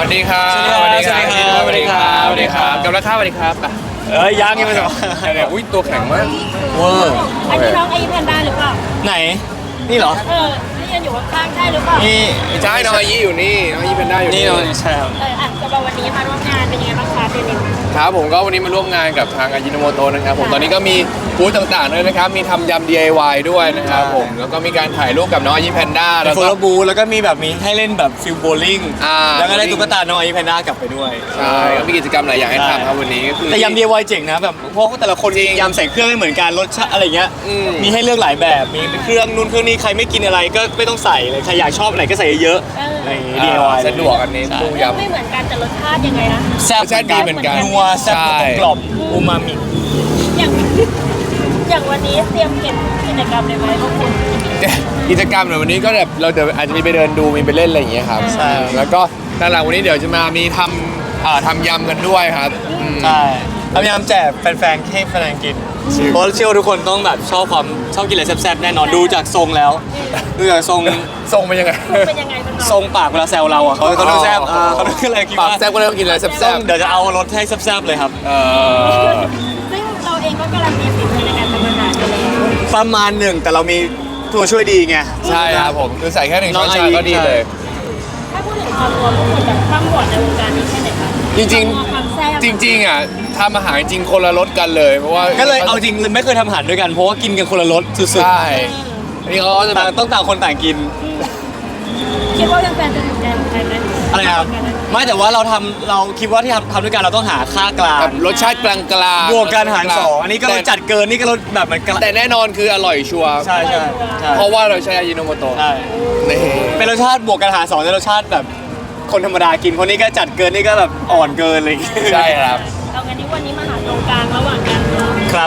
วัสดีครับสวัสดีครับสวัสดีครับสวัสดีครับกับราคาสวัสดีครับอ่ะยังไม่จบเนี่ยอุ้ยตัวแข็งมากเวอร์อันนี้น้องไอแพนด้าหรือเปล่าไหนนี่เหรอนี่ยังอยู่ข้างๆใช่หรือเปล่านี่ใช่น้องอายี่อยู่นี่น้องอายี่เป็นได้อยู่นี่นี่เนาะใช่ครับสำหรับวันนี้มาร่วมงานเป็นยังไงบ้างคะเจนิวครับผมก็วันนี้มาร่วมงานกับทางอายิโนโมโตะนะครับผมตอนนี้ก็มีบูธต่างๆด้วยนะครับมีทำยำ DIY ด้วยนะครับผมแล้วก็มีการถ่ายรูปกับน้องอายี่แพนด้าแล้แล้ว วโฟก็ล์บูแล้วก็มีแบบมีให้เล่นแบบฟิลโบลิ่งแล้วก็ได้ตุ๊กตาน้องไอแพนด้ากลับไปด้วยใช่ก็มีกิจกรรมหลายอย่างให้ทำครับวันนี้ก็คือแต่ยำ DIY เจ๋งนะแบบเพราะแต่ละคนจริงยำใส่เครื่องไม่เหมือนกันรสชาติอะไรเงี้ยอืมมีให้เลือกหลายแบบมีเครื่องนู่นเครื่องนี้ใครไม่กินอะไรก็ไม่ต้องใส่เลยใครอยากชอบไหนก็ใส่เยอะๆอะไรอย่างงี้ DIY สะดวกอันนี้ใช่ตู้ยำไม่เหมือนกันแต่รสชาติยังไงนะแซ่บรสชาติดีเหมือนกันนัวแซ่บใช่กรอบอูมามิอย่างอย่างวันนี้เตรียมเก็บกิจกรรมเลยไหมพวกคุณกิจกรรมในวันนี้ก็แบบเราเดี๋ยวอาจจะมีไปเดินดูมีไปเล่นอะไรอย่างเงี้ยครับใช่แล้วก็ด้านหลังวันนี้เดี๋ยวจะมีทำยำกันด้วยครับอืมใช่พยายามแจกแฟนๆให้แฟนๆกินเพราะเชื่อว่าทุกคนต้องแบบชอบกินอะไรแซ่บๆแน่นอนดูจากทรงแล้วดูจากทรงทรงเป็นยังไงเป็นยังไงบ้างทรงปากเวลาแซวเราอ่ะเขาดูแซ่บเขาดูอะไรคิดปากว่าแซ่บก็เลยต้องกินอะไรแซ่ต้อบ งเดี๋ยวจะเอารสให้แซ่บๆเลยครับๆซึ่งเราเองก็การันตีฝีมือในการทำอาหารกันแล้วประมาณหนึ่งแต่เรามีตัวช่วยดีไงใช่ครับผมคือใส่แค่1 ช้อนชาก็ดีเลยถ้าพูดถึงความรวมพวกคุณแบบข้ามบอดในวงการนี้แค่ไหนคะจริงความแซ่บๆ จริงๆอ่ะทำอาหารจริงคนละรสกันเลยเพราะว่าก็เลยเอาจริงไม่เคยทำอาหารด้วยกันเพราะว่ากินกันคนละรสสุดใช่อันนี้เขาก็จะๆแบต่างบต้องต่างคนต่างกินคิดว่าแฟนๆจะถูกใจของใครไหมอะไรครับไม่แต่ว่าเราคิดว่าที่ทำด้วยกันเราต้องหาค่ากลางแบบรสชาติกลางๆบวกกันหารสองอันนี้ก็รสจัดเกินนี่ก็รสแบบมันแต่แน่นอนคืออร่อยชัวร์ใช่ใช่ใช่เพราะว่าเราใช้อายิโนโมโตะใช่นี่เป็นรสชาติบวกกันหารสองแต่รสชาติแบบคนธรรมดากินคนนี้ก็จัดเกินนี่ก็แบบอ่อนเกินอะไรอย่างเงี้ยใช่ครับเอางั้นนี้วันนี้มาหาตรงกลางระหว่างกันเนาะครับ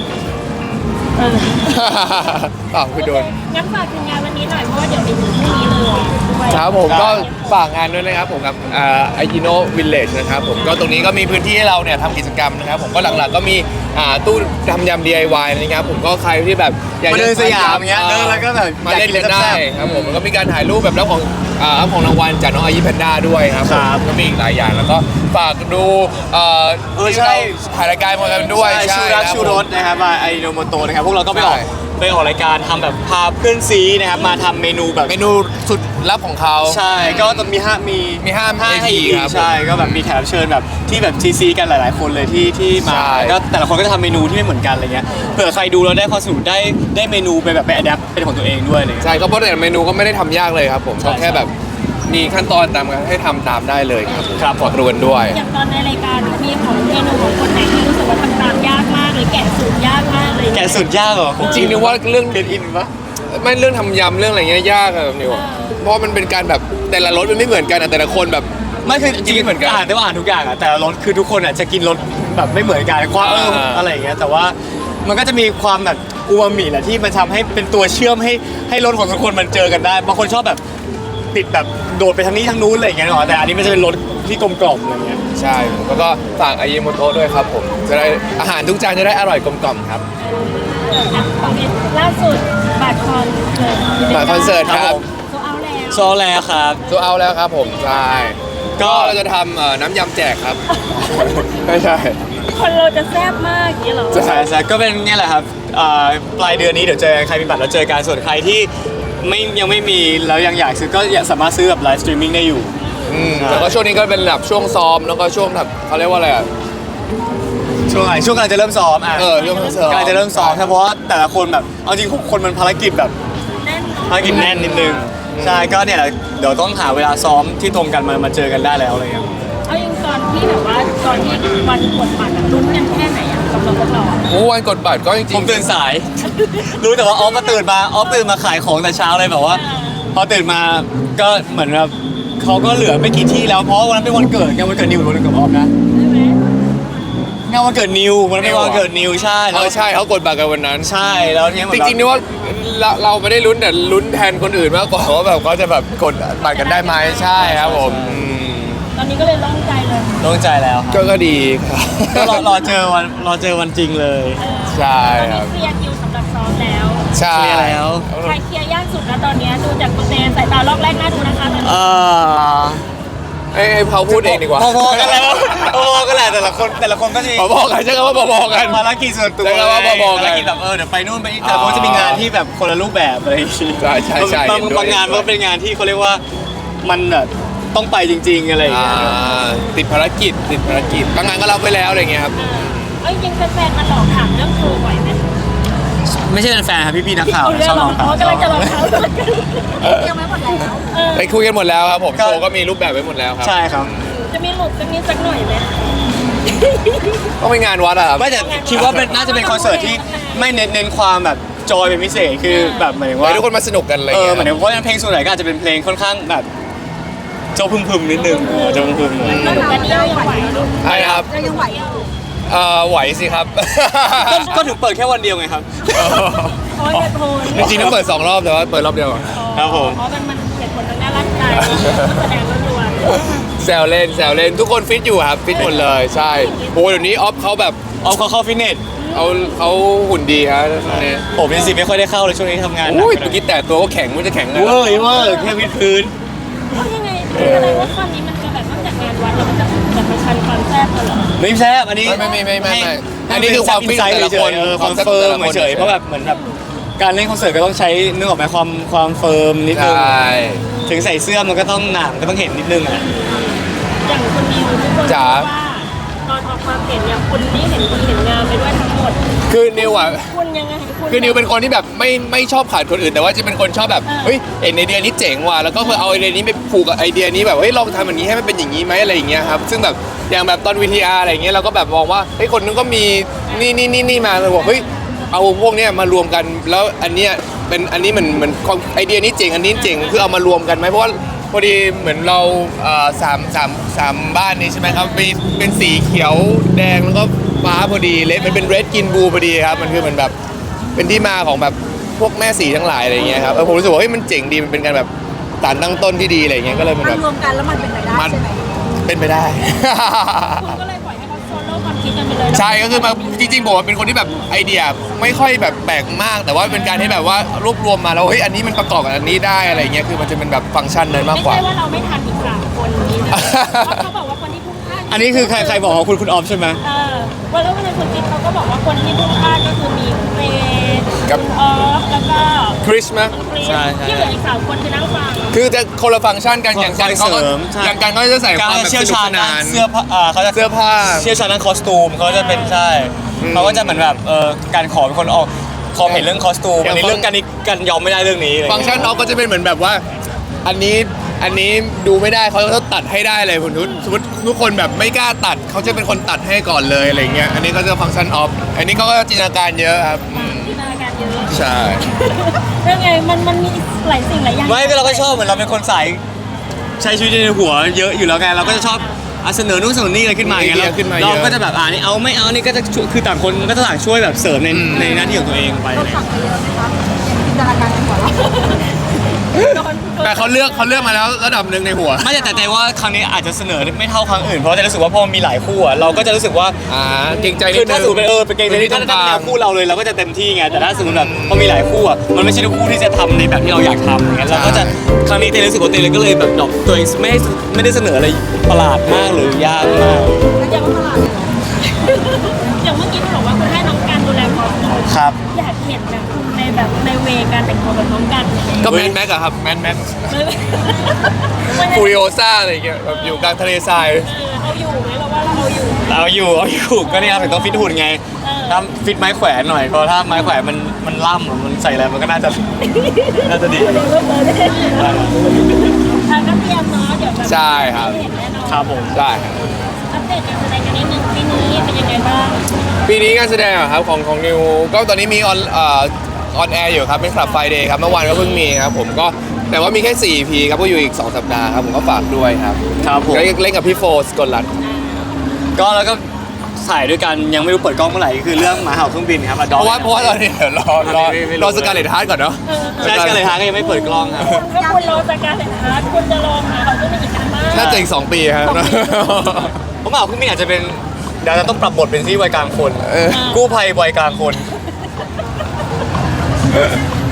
อ้าวคือโดนงั้นฝากถึงงานวันนี้หน่อยเพราะว่าเดี๋ยวไปถึงพรุ่งนี้เลยด้วยครับผมก็ฝากงานด้วยนะครับผมกับอายิโนวิลเลจนะครับผมก็ตรงนี้ก็มีพื้นที่ให้เราเนี่ยทำกิจกรรมนะครับผมก็หลักๆก็มีตู้ทำยำ DIY นะครับผมก็ใครที่แบบอยากมาจะเดินสยามเงี้ยเดินแล้วก็แบบมาเล่นอยากกินกันได้แซ่บๆครับผมแล้วก็มีการถ่ายรูปแบบรับของรางวัลจากน้องอายิแพนด้าด้วยครับผมครับก็มีอีกหลายอย่างแล้วก็ฝากดูที่ใช่เราถ่ายรายการมากันด้วยชูรักคบชูรสนะครับไอโนโมโตนะครับพวกเราก็ไปออกใช่ไปออกรายการทำแบบพาเพื่อนซีนะครับมาทำเมนูแบบเมนูสุดลับของเขาใช่ก็ต้องมีห้าให้ให้อีอีกกครับใช่ก็แบบมีแขกรับเชิญแบบที่แบบซีกันหลายๆ คนเลยที่มาใช่ก็แต่ละคนก็จะทำเมนูที่ไม่เหมือนกันอะไรเงี้ยเผื่อใครดูแล้วได้ความสนุกได้เมนูไปแบบไปอัดแอปเป็นของตัวเองด้วยอะไรเลยใช่ก็เพราะแต่เมนูก็ไม่ได้ทำยากเลยครับผมใช่ก็แค่แบบมีขั้นตอนตามกันให้ทำตามได้เลยครับผมครับผมฝากดูกันด้วยอย่างตอนในรายการมีของเมนูของคนไหนที่รู้สึกว่าทำตามยากมากหรือแกะสูตรยากมากเลยแกะสุดยากเหรอจริงๆนึกว่าเรื่องเรียนอินปะไม่เรื่องทำยำเรื่องอะไรเงี้ยยากอะแบบนิวเพราะมันเป็นการแบบแต่ละรสมันไม่เหมือนกันอะแต่ละคนแบบไม่คือจริงไม่เหมือนกันอ่านได้ว่าอ่านทุกอย่างอะแต่ละรสคือทุกคนอะจะกินรสแบบไม่เหมือนกันความอะไรอย่างเงี้ยแต่ว่ามันก็จะมีความแบบอูมามิแหละที่มันทำให้เป็นตัวเชื่อมให้รสของทุกคนมันเจอกันได้บางคนชอบแบบติดแบบโดดไปทางนี้ทางนู้นอะไรอย่างเงี้ยหรอแต่อันนี้มันจะเป็นรสที่กลมกล่อมอะไรเงี้ยใช่แล้วก็ฝากอายิโมโตะด้วยครับผมจะได้อาหารทุกจานจะได้อร่อยกลมกล่อมครับโอเคล่าสุดบัตรคอนเสิร์ตบัตรคอนเสิร์ตครับโซเอาแล้วโซแล้วครับตัวเอาแล้วครับผมใช่ก็ก็เราจะทำน้ำยำแจกครับ ไม่ใช่คนเราจะแซ่บมากอย่างนี้เหรอใช่ใช่ก็เป็นเนี่ยแหละครับปลายเดือนนี้เดี๋ยวเจอกันใครมีบัตรแล้วเจอกันส่วนใครที่ยังไม่มีแล้วยังอยากซื้อก็สามารถซื้อแบบไลฟ์สตรีมมิ่งได้อยู่แล้วก็ช่วงนี้ก็เป็นแบบช่วงซ้อมแล้วก็ช่วงแบบเขาเรียกว่าอะไรอ่ะช่วงไหนช่วงกำลังจะเริ่มซ้อมอ่ะช่วงซ้อมกำลังจะเริ่มซ้อมเฉพาะแต่ละคนแบบเอาจริงคนมันภารกิจแบบแน่นเนอะภารกิจแน่นนิดนึงใช่ก็เนี่ยแหละเดี๋ยวต้องหาเวลาซ้อมที่ตรงกันมาเจอกันได้แล้วอะไรเงี้ยเอาอย่างตอนที่แบบว่าตอนที่วันกดบัตรอะลุ้นกันแค่ไหนอะสำหรับพวกเราอะโอ้วันกดบัตรก็จริงผมตื่นสาย รู้แต่ว่าออฟตื่นมาขายของแต่เช้าเลยแบบว่า พอตื่นมาก็เหมือนแบบเขาก็เหลือไม่กี่ที่แล้วเพราะวันนั้นเป็นวันเกิดไงวันเกิดนิวหรือวันเกิดออฟนะใช่ไหมงานวันเกิดนิววันนั้นเป็นวันเกิดนิวใช่แล้วใช่เขากดบัตรกันวันนั้นใช่แล้วเนี่ยเหมืจอนริงๆนี่ว่าเราไม่ได้ลุ้นแต่ลุ้นแทนคนอื่นมากกว่าว่าแบบเขาจะแบบกดบัตรกันได้ไหมใช่ครับผมตอนนี้ก็เลยโล่งใจเลยโล่งใจแล้วครับก็ดีครับก็รอเจอวันจริงเลยใช่ตอนครันี้บเคลียร์คิวสำหรับซ้อมแล้วใช่เคลียร์แล้วใครเคลียร์ยากสุดแล้วตอนเนี้ยดูจากคุณเตสายตาลอกแรกน่าดูนะคะตอนนี้อให้เขาพูดเองดีกว่าพอๆกันแล้วพอๆกันแหละแต่ละคนก็จะมีพอๆกันใช่คำว่าพอๆกันภารกิจส่วนตัวใช่ครับว่าพอๆกันภารกิจแบบเดี๋ยวไปนู่นไปนี่แต่ละคนจะมีงานที่แบบคนละรูปแบบอะไรอย่างงี้ใช่บางเห็นด้วยบางงานมันก็เป็นงานที่เขาเรียกว่ามันแบบต้องไปจริง ๆอะไรอย่างเงี้ยติดภารกิจบางงานก็รับไปแล้วอะไรเงี้ยครับเอ้ยจริงแฟนๆมาหลอกถามเรื่องครูบ่อยไหมไม่ใช่เป็นแฟนครับพี่ๆนักข่าวเรื่ชอบหลน้ออก งข่าวเขากำลังจะหลอกเขายังไม่หมดแล้วไปคุยกันหมดแล้วครับผมโชว์ก็มีรูปแบบไว้หมดแล้วครับใช่ครับจะมีหลุดจะมีสักหน่อยไหมต้องไปงานวัดอะครับไม่แต่คิดว่าน่าจะเป็นคอนเสิร์ตที่ไม่เน้นความแบบจอยเป็นพิเศษคือแบบหมายถึงว่าให้ทุกคนมาสนุกกันอะไรหเงี้ยมายถึงเพราะเพลงส่วนใหญ่ก็อาจจะเป็นเพลงค่อนข้างแบบโจพึมๆนิดนึงโจพึมๆก็หนูกันนี่ยังไหวอยู่ใช่ครับเรายังไหวอยู่ไหวสิครับก็ถึงเปิดแค่วันเดียวไงครับโอ้ยกระโทนจริงๆต้องเปิด2 รอบแต่ว่าเปิดรอบเดียวก่อนครับผมเพราะมันเกิดผลทางด้านร่างกายแสดงล้วนแซวเล่นทุกคนฟิตอยู่ครับฟิตหมดเลยใช่โอ้เดี๋ยวนี้ออฟเขาแบบเอาเขาเข้าฟิตเนสเขาหุ่นดีครับเนี่ยผมเป็นสิไม่ค่อยได้เข้าเลยช่วงนี้ทำงานหนักอุ้ยเมื่อกี้แต่ตัวก็แข็งมันจะแข็งนะเวอร์แค่วิดพื้นๆเพราะยังไงคืออะไรว่าคราวนี้มันจะแบบนอกจากงานวัดแล้วมันจะประชันความแซ่บเหรอไม่แซ่บอันนี้ไม่อันนี้คือความฟิตแต่ละคนความเฟิร์มเฉยๆเพราะแบบเหมือนแบบการเล่นคอนเสิร์ตก็ต้องใช้นึกออกไหมความเฟิร์มนิดนึงใช่ถึงใส่เสื้อมันก็ต้องหนามก็ต้องเห็นนิดนึงอ่ะอย่างคนนิวทุกคนรู้ว่าตอนออกความเห็นเนี่ยคุณนี่เห็นดีเห็นงามไปด้วยทั้งหมดคือนิวอ่ะคุณยังไงคุณคือนิวเป็นคนที่แบบไม่ชอบขาดคนอื่น แต่ว่าจะเป็นคนชอบแบบเฮ้ยเห็นไอเดียนี้เจ๋งว่ะแล้วก็เอาไอเดียนี้ไปผูกกับไอเดียนี้แบบเฮ้ยลองทำแบบนี้ให้มันเป็นอย่างนี้ไหมอะไรอย่างเงี้ยครับซึ่งแบบอย่างแบบตอน VTR อะไรอย่างเงี้ยเราก็แบบมองว่าเฮ้ยคนนึงก็มีนี่มาเลยบอกเฮ้ยเอาพวกเนี้ยมารวมกันแล้วอันเนี้ยเป็นอันนี้เหมือนไอเดียนี้เจ๋งอันนี้เจ๋งคือเอามารวมกันไหมเพราะว่าพอดีเหมือนเราสามบ้านนี้ใช่ไหมครับเป็นสีเขียวแดงแล้วก็ฟ้าพอดีเลดมันเป็นเรดกินบูพอดีครับมันคือเหมือนแบบ เป็นที่มาของแบบพวกแม่สีทั้งหลายอะไรเงี้ยครับผมรู้สึกว่าเฮ้ยมันเจ๋งดีมันเป็นการแบบสารตั้งต้นที่ดีอะไรเงี้ยก็เลยเป็นมัแบนบรวมกันแล้วมันเป็นไปได้มันใช่ไหมเป็นไปได้คุณก็เลยปล่อยให้เขาโซโล่ความคิดกันไปเลยใช่ก็คือมาจริงๆผมเป็นคนที่แบบไอเดียไม่ค่อยแบบแปลกมาก แต่ว่าเป็นการที่แบบว่ารวบรวมมาแล้วเฮ้ยอันนี้มันประกอบกับอันนี้ได้อะไรเงี้ยคือมันจะเป็นแบบฟังก์ชันนั้นมากไม่กว่าใช่ว่าเราไม่ทันอีก3 คนนี้นะเพราะเขาบอกว่าคนที่พุ่งพลาดอันนี้คือใครบอกว่าคุณออฟใช่ไหมวันแล้ววันนั้นคุณกิ๊กเขาก็บอกว่าคนที่พุ่งพลาดก็คือมีเฟย์คุณออฟแล้วก็คริสมั้ยคุณคริสที่เหลืออีก3 คนคือนั่งฟังคือจะคนละฟังก์ชันกันอย่างกันเขาก็เสริมใช่อย่างกันก็จะใส่คการวามแบบเชี่ยวสนุกชาญสนานเสื้อผ้าเขาจะเสื้อผ้าเชี่ยวชาญด้านคอสตูมเขาจะเป็นใช่เขาก็จะเหมือนแบบการขอเป็นคนออกขอเห็นเรื่องคอสตูมอันนี้เรื่องการยอมไม่ได้เรื่องนี้ฟังก์ชันออฟก็จะเป็นเหมือนแบบว่า อันนี้ดูไม่ได้เขาต้องตัดให้ได้เลยผมสมมติทุกคนแบบไม่กล้าตัดเขาจะเป็นคนตัดให้ก่อนเลยอะไรเงี้ยอันนี้ก็จะฟังก์ชันออฟอันนี้เขาก็จินตนาการเยอะครับจินตนาการเยอะใช่เรื่องไงมันมีหลายสิ่งหลายอย่างไม่ก็เราก็ชอบเหมือนเราเป็นคนสายใช้ชีวิตในหัวเยอะอยู่แล้วไงเราก็จะชอบเสนอนู่นเสนอนี่อะไรขึ้นมาอย่างเงี้ยเราก็จะแบบนี่เอาไม่เอานี่ก็จะคือต่างคนก็จะต่างช่วยแบบเสริมในหน้าที่ของตัวเองไปฝังไปเยอะไหมคะจินตนาการในหัวเราแต่เขาเลือกมาแล้วระดับหนึ่งในหัวไม่แต่ว่าครั้งนี้อาจจะเสนอไม่เท่าครั้งอื่นเพราะจะรู้สึกว่าพอมีหลายคู่เราก็จะรู้สึกว่าเกรงใจนิคืดอนึถ้าง สมมติเป็นเกมนี้ถ้าแนวคู่เราเลยเราก็จะเต็มที่ไงแต่ถ้าสมมติแบบพอมีหลายคู่มันไม่ใช่ทุกคู่ที่จะทำในแบบที่เราอยากทำอย่างเงี้ยเราก็จะครั้งนี้เต้รู้สึกว่าเต้เลยก็เลยแบบดรอปตัวเองไม่ได้เสนออะไรประหลาดมากหรือยากมากแล้วยังว่าตลาดอย่างเมื่อกี้คุณบอกว่าคุณให้น้องการดูแลคอสตูมครับอยากเห็นนะคุณในเวการแต่งตัวแบบน้องกันก็แมนแม็กอะครับแมนแม็กฟูริโอซ่าอะไรอย่างเงี้ยแบบอยู่กลางทะเลทรายเอาอยู่ไหมเราว่าเราเอาอยู่เอาอยู่ก็นี่ครับถึงต้องฟิตหุ่นไงถ้าฟิตไม้แขวนหน่อยเพราะถ้าไม้แขวนมันล่ำมันใส่อะไรมันก็น่าจะดีก็เตรียมเนาะเดี๋ยวแบบใช่ครับเห็นแน่นอนครับผมได้ครับอัปเดตการแสดงกันนิดนึงปีนี้เป็นยังไงบ้างปีนี้การแสดงอะครับของนิวก็ตอนนี้มีออนแอร์อยู่ครับเป็นคลับไฟเดย์ครับเมื่อวานก็เพิ่งมีครับผมก็แต่ว่ามีแค่4 EP ครับก็อยู่อีก2 สัปดาห์ครับผมก็ฝากด้วยครับครับผมเล่นกับพี่โฟสกลรัตน์ก็แล้วก็ถ่ายด้วยกันยังไม่รู้เปิดกล้องเมื่อไหร่คือเรื่องหมาเห่าเครื่องบินครับเพราะว่าตอนนี้เดี๋ยวรอสการ์เลตฮาร์ดก่อนเนาะใช่ก็เลยฮะก็ยังไม่เปิดกล้องครับถ้าคุณรอจากการแข่งขันคุณจะรอหาเขาจะมีอีกนานมากน่าจะอีก2 ปีครับผมหมาเห่าเครื่องบินอาจจะเป็นเดี๋ยวจะต้องปรับบทเป็นที่วัยกลางคนเออกู้ภัยวัยกลางคนอ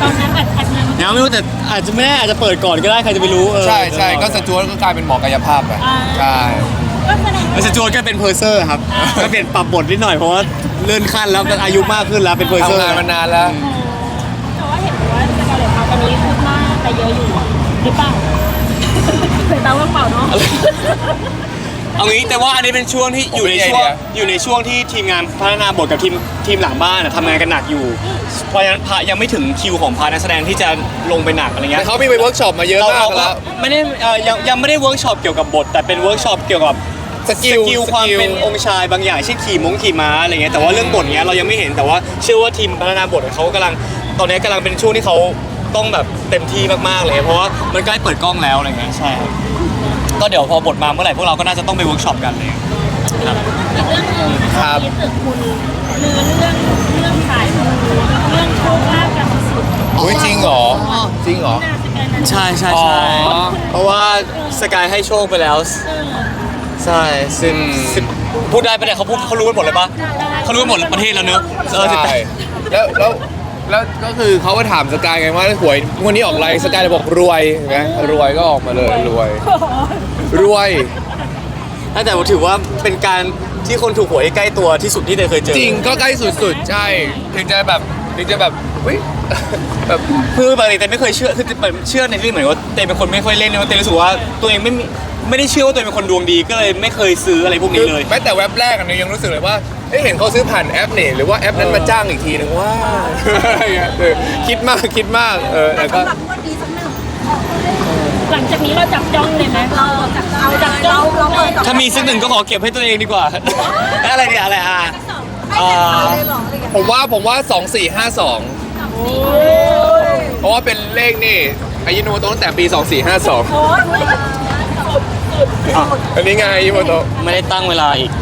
ตอนนั้นอาจจะยังไม่รู้แต่อาจจะไม่แน่อาจจะเปิดก่อนก็ได้ใครจะไปรู้ใช่ก็สจวตก็กลายเป็นหมอกายภาพไปใช่ก็แสดงแล้วสจวตก็เป็นเพอร์เซอร์ครับก็เปลี่ยนปรับบทนิดหน่อยเพราะว่าเลื่อนขั้นแล้วอายุมากขึ้นแล้วเป็นเพอร์เซอทำร์งานมานานแล้วแต่ว่าเห็นว่าสกาเลตเขาตอนนี้คืบหน้าไปเยอะอยู่หรือเปล่าเคยตามว่าเปล่าเนาะเอางี้แต่ว่าอันนี้เป็นช่วงที่อยู่ในช่วงผมมีไอเดียอยู่ในช่วงที่ทีมงานพัฒนาบทกับทีมหลังบ้านทำงานกันหนักอยู่เพราะฉะนั้นยังไม่ถึงคิวของพาร์ทนักแสดงที่จะลงไปหนักอะไรเงี้แต่ยเขามีไปเวิร์กช็อปมาเยอะมากเราก็แล้วไม่ได้ยังไม่ได้เวิร์กช็อปเกี่ยวกับบท แต่เป็นเวิร์กช็อปเกี่ยวกับสกิลความเป็นองค์ชายบางอย่างเช่นขี่ม้าอะไรเงี้ยแต่ว่าเรื่องบทเนี้ยเรายังไม่เห็นแต่ว่าเชื่อว่าทีมพัฒนาบทเขากำลังตอนนี้กำลังเป็นช่วงที่เขาต้องแบบเต็มที่มากๆเลยเพราะว่ามันใกล้เปิดกล้องแล้วอะไรเงี้ยใช่ครับก็เดี๋ยวพอบทมาเมื่อไหร่พวกเราก็น่าจะต้องไปเวิร์กช็อปกันเลยครับอีกเรื่องหนึงนะคะที่ตึกคุณเรื่องสายมูเรื่องโชคลาภกันสุดอุ้ยจริงเหรอจริงเหรอน่าสกายนั้นใช่อ๋อเพราะว่าสกายให้โชคไปแล้ว ใช่ซึ่งอืมพูดได้ปะเนี่ยเขารู้กันหมดเลยปะเขารู้กันหมดประเทศแล้วเนอะใช่แล้วก็คือเขาก็ถามสกายไงว่าหวยวันนี้ออกอะไรสกายเลยบอกรวยเห็นไหมรวยก็ออกมาเลยรวยแต่ผมถือว่าเป็นการที่คนถูกหวยใกล้ตัวที่สุดที่เตยเคยเจอจริงก็ใกล้สุดๆใช่ถึงจะแบบเฮ้ยแบบคือปกติเตยไม่เคยเชื่อคือเชื่อในที่เหมือนว่าเตยเป็นคนไม่ค่อยเล่นเตยรู้สึกว่าตัวเองไม่ได้เชื่อว่าตัวเองเป็นคนดวงดีก็เลยไม่เคยซื้ออะไรพวกนี้เลยแม้แต่เว็บแรกอันนี้ยังรู้สึกเลยว่าเห็นเขาซื้อผ่านแอปนี่หรือว่าแอปนั้นมาจ้างอีกทีนึงว่าคิดมากแต่ก็หลังจากนี้เราจับจ้องเลยไหมเราจับจ้องเราเปิดถ้ามีสักหนึ่งก็ขอเก็บให้ตัวเองดีกว่า อะไรเนี่ยอะไรผมว่า2452เพราะว่าเป็นเลขนี่อายุโนโตะตั้งแต่ปี 2452อันนี้ไงอายุโนโตะไม่ได้ตั้งเวลาอีก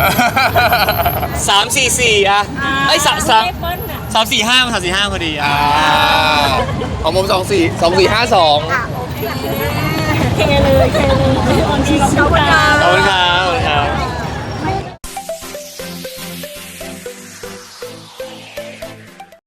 3-4-4อะไอ้3-4-5มัน3-4-5พอดีของผม2452 เทเลยออนทีเราเข้าดาวขอบคุณค